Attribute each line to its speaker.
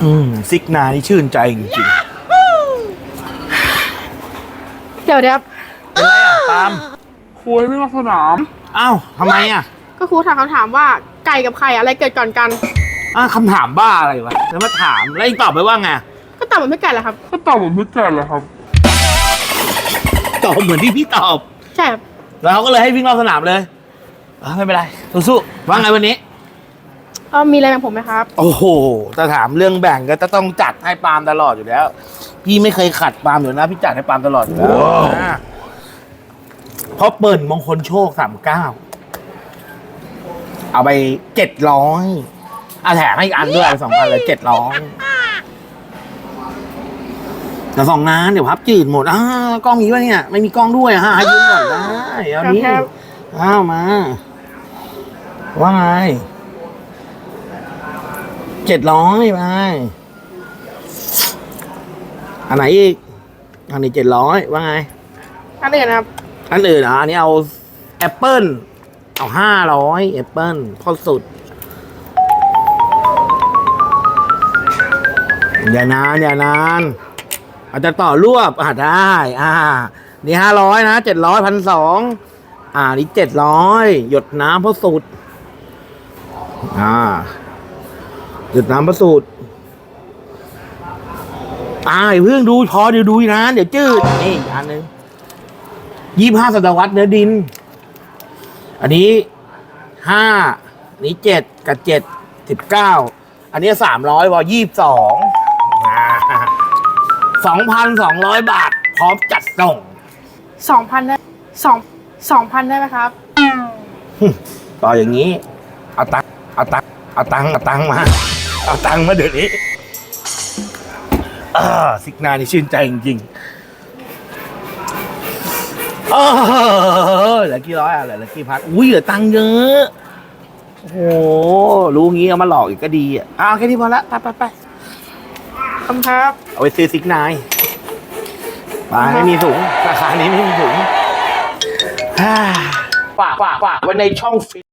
Speaker 1: ซิกนานี่ชื่นใจจริง
Speaker 2: เดี๋ยวครับ
Speaker 1: ๆเป็นไรอ่ะตาม
Speaker 3: ครูให้วิ่งรอบสนาม
Speaker 1: อ้าวทำไมอ่ะ
Speaker 2: ก็ครูถามคำถามว่าไก่กับไข่อะไรเกิดก่อนกัน
Speaker 1: คำถามบ้าอะไรวะแล้วมาถามแล้วอีกตอบไปว่าไง
Speaker 2: ก็ตอบเหมือนพี่ไก่แหละครับ
Speaker 3: ก็ตอบเหมือนพี่แก่เลยครับ
Speaker 1: ตอบเหมือนที่พี่ตอบ
Speaker 2: ใช่ครับ
Speaker 1: แล้วเขาก็เลยให้วิ่งรอบสนามเลยไม่เป็นไรสู้ๆว่าไงวันนี้
Speaker 2: มีอะไรแบ่งผมไหมครับ
Speaker 1: โอ้โหแต่ถามเรื่องแบ่งก็จะต้องจัดให้ปาล์มตลอดอยู่แล้วพี่ไม่เคยขัดปาล์มอยู่นะพี่จัดให้ปาล์มตลอดอยู่แล้วเพราะเปิดมงคลโชค39เอาไป700แถมให้อีกอันด้วย2,000เลย700แต่2ล้านเดี๋ยวพับจืดหมดกล้องมีวะเนี่ยไม่มีกล้องด้วยให้ยืมก่อนได้เอานี้มาว่าไง700ไปอันไหนอีกอันนี้700ว่าไง
Speaker 2: อันอื่นครับ
Speaker 1: อันอื่นอันนี้เอาแอปเปิ้ลเอา500แอปเปิ้ลพอสุดอย่านานอาจจะต่อรวบได้นี่500นะ700 1,200นี่700หยดน้ำพอสุดหยดน้ำพอสุดเพิ่งดูพอเดี๋ยวดูนะเดี๋ยวจืดนี่อันนึง25 ศตวรรษเนื้อดินอันนี้5นี้7กับ7 19อันนี้300วอ22,200 บาทพร้อมจัดส่ง
Speaker 2: 2,000ได้2,000ได้ไหมครับ
Speaker 1: ต่ออย่างนี้เอาตังมาเอาตังมาเดี๋ยวนี้ซิกนานี่ชื่นใจจริงๆเหลือกี่ร้อยเหลือกี่พันเหลือตังเยอะโอ้โหรู้งี้เอามาหลอกอีกก็ดีแค่นี้พอละไป
Speaker 2: คำครับ
Speaker 1: เอาไปซื้อซิกนายไม่มีถุงราคานี้ไม่มีถุงฝากไว้ในช่องฟิต